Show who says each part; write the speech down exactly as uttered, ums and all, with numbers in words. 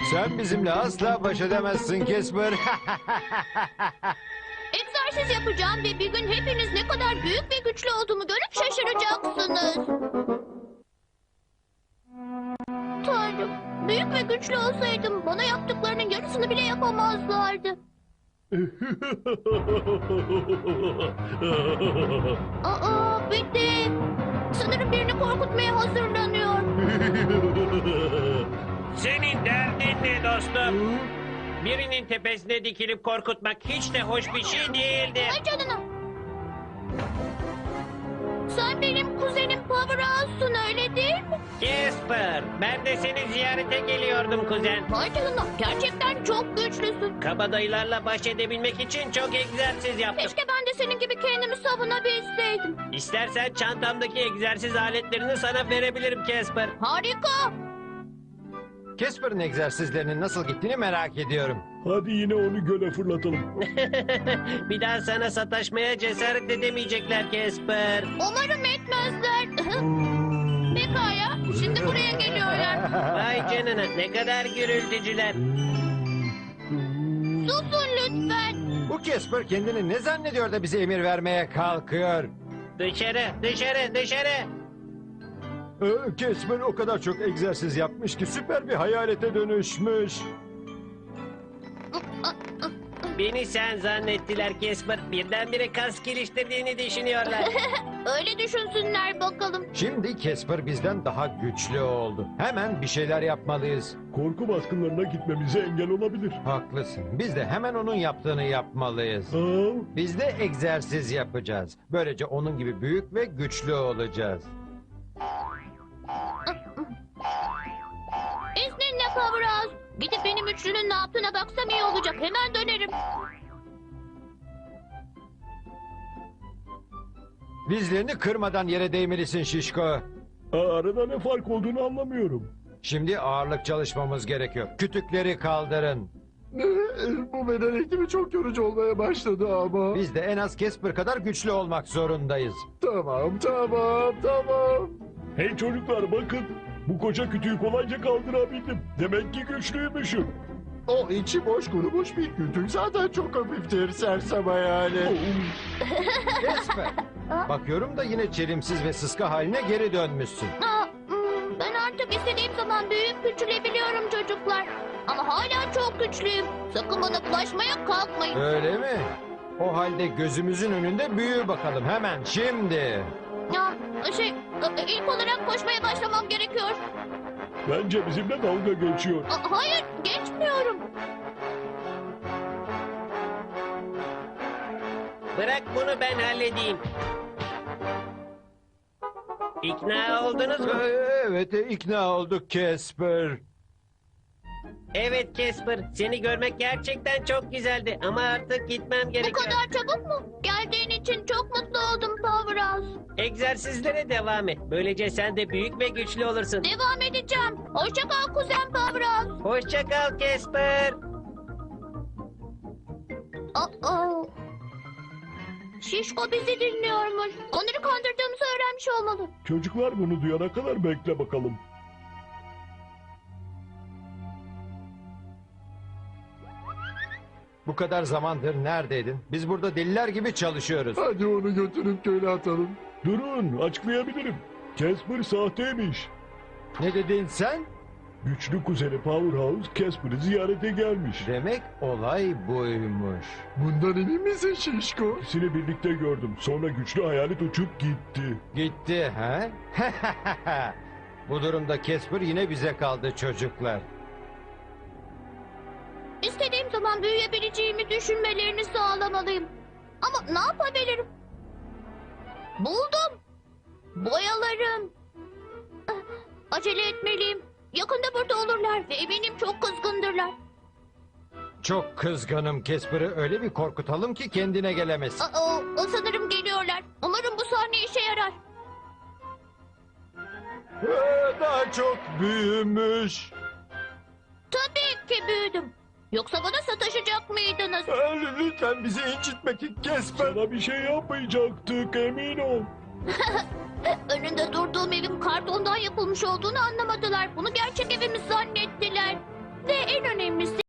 Speaker 1: Sen bizimle asla baş edemezsin Casper.
Speaker 2: Egzersiz yapacağım ve bir gün hepiniz ne kadar büyük ve güçlü olduğumu görüp şaşıracaksınız. Tanrım, büyük ve güçlü olsaydım bana yaptıklarının yarısını bile yapamazlardı. Aa, bitti. Sanırım birini korkutmaya hazırlanıyor.
Speaker 3: Senin derdin ne dostum? Birinin tepesine dikilip korkutmak hiç de hoş bir şey değildi.
Speaker 2: Ay canına. Sen benim kuzenim Powerhouse'sun, öyle değil mi?
Speaker 3: Casper, ben de seni ziyarete geliyordum kuzen.
Speaker 2: Vay canına, gerçekten çok güçlüsün.
Speaker 3: Kabadayılarla baş edebilmek için çok egzersiz yaptım.
Speaker 2: Keşke ben de senin gibi kendimi savunabilseydim.
Speaker 3: İstersen çantamdaki egzersiz aletlerini sana verebilirim Casper.
Speaker 2: Harika.
Speaker 1: Casper'ın egzersizlerinin nasıl gittiğini merak ediyorum.
Speaker 4: Hadi yine onu göle fırlatalım.
Speaker 3: Bir daha sana sataşmaya cesaret edemeyecekler Casper.
Speaker 2: Umarım etmezler. Pekala, şimdi buraya geliyorlar.
Speaker 3: Vay canına, ne kadar gürültücüler.
Speaker 2: Susun lütfen.
Speaker 1: Bu Casper kendini ne zannediyor da bize emir vermeye kalkıyor?
Speaker 3: Dışarı, dışarı, dışarı.
Speaker 1: Ee, Casper o kadar çok egzersiz yapmış ki süper bir hayalete dönüşmüş.
Speaker 3: Beni sen zannettiler Casper. Birdenbire kas geliştirdiğini düşünüyorlar.
Speaker 2: Öyle düşünsünler bakalım.
Speaker 1: Şimdi Casper bizden daha güçlü oldu. Hemen bir şeyler yapmalıyız.
Speaker 4: Korku baskınlarına gitmemize engel olabilir.
Speaker 1: Haklısın. Biz de hemen onun yaptığını yapmalıyız.
Speaker 4: Aa,
Speaker 1: Biz de egzersiz yapacağız. Böylece onun gibi büyük ve güçlü olacağız.
Speaker 2: İzninle Powerhouse. Gidip benim üçlünün ne yaptığına baksam iyi olacak. Hemen dönerim.
Speaker 1: Dizlerini kırmadan yere değmelisin Şişko.
Speaker 4: aa, arada ne fark olduğunu anlamıyorum.
Speaker 1: Şimdi ağırlık çalışmamız gerekiyor. Kütükleri kaldırın.
Speaker 5: Bu beden eğitimi çok yorucu olmaya başladı ama.
Speaker 1: Biz de en az Casper kadar güçlü olmak zorundayız.
Speaker 5: Tamam, tamam, tamam.
Speaker 4: Hey çocuklar bakın. Bu koca kütüğü kolayca kaldırabildim. Demek ki güçlüymüşüm.
Speaker 5: O içi boş kurumuş bir kütük zaten çok hafiftir sersem hayali.
Speaker 1: Casper, bakıyorum da yine çelimsiz ve sıska haline geri dönmüşsün.
Speaker 2: Aa, hmm, ben artık istediğim zaman büyüyüp küçülebiliyorum çocuklar. Ama hala çok güçlüyüm. Sakın bana bulaşmaya kalkmayın.
Speaker 1: Öyle mi? O halde gözümüzün önünde büyü bakalım hemen şimdi.
Speaker 2: Ya, şey, ilk olarak koşmaya başlamam gerekiyor.
Speaker 4: Bence bizimle dalga geçiyor.
Speaker 2: Aa, hayır, geçmiyorum.
Speaker 3: Bırak bunu ben halledeyim. İkna oldunuz mu?
Speaker 1: Ee, Evet, ikna olduk Casper.
Speaker 3: Evet Casper, seni görmek gerçekten çok güzeldi ama artık gitmem
Speaker 2: Bu
Speaker 3: gerekiyor.
Speaker 2: kadar çabuk mu? Geldiğin için çok mutlu oldum Powerhouse.
Speaker 3: Egzersizlere devam et. Böylece sen de büyük ve güçlü olursun.
Speaker 2: Devam edeceğim. Hoşça kal kuzen Powerhouse.
Speaker 3: Hoşça kal Casper.
Speaker 2: Aa. Şişko bizi dinliyormuş. Onları kandırdığımızı öğrenmiş olmalı.
Speaker 4: Çocuklar bunu duyana kadar bekle bakalım.
Speaker 1: Bu kadar zamandır neredeydin? Biz burada deliler gibi çalışıyoruz.
Speaker 5: Hadi onu götürüp göle atalım.
Speaker 4: Durun açıklayabilirim. Casper sahteymiş.
Speaker 1: Ne dedin sen?
Speaker 4: Güçlü kuzeni Powerhouse Casper'ı ziyarete gelmiş.
Speaker 1: Demek olay buymuş.
Speaker 5: Bundan emin misin Şişko?
Speaker 4: İkisini birlikte gördüm. Sonra güçlü hayalet uçup gitti.
Speaker 1: Gitti ha? Bu durumda Casper yine bize kaldı çocuklar.
Speaker 2: İstediğim zaman büyüyebileceğimi düşünmelerini sağlamalıyım. Ama ne yapabilirim? Buldum. Boyalarım. Ah, acele etmeliyim. Yakında burada olurlar ve eminim çok kızgındırlar.
Speaker 1: Çok kızgınım Casper'ı öyle bir korkutalım ki kendine gelemez.
Speaker 2: Aa, o sanırım geliyorlar. Umarım bu sahne işe yarar.
Speaker 1: Ee, Daha çok büyümüş.
Speaker 2: Tabii ki büyüdüm. Yoksa bana sataşacak mıydınız?
Speaker 1: Ee, Lütfen bizi incitme ki Casper.
Speaker 4: Sana bir şey yapmayacaktık emin ol.
Speaker 2: Önünde durduğum evin kartondan yapılmış olduğunu anlamadılar. Bunu gerçek evimiz zannet.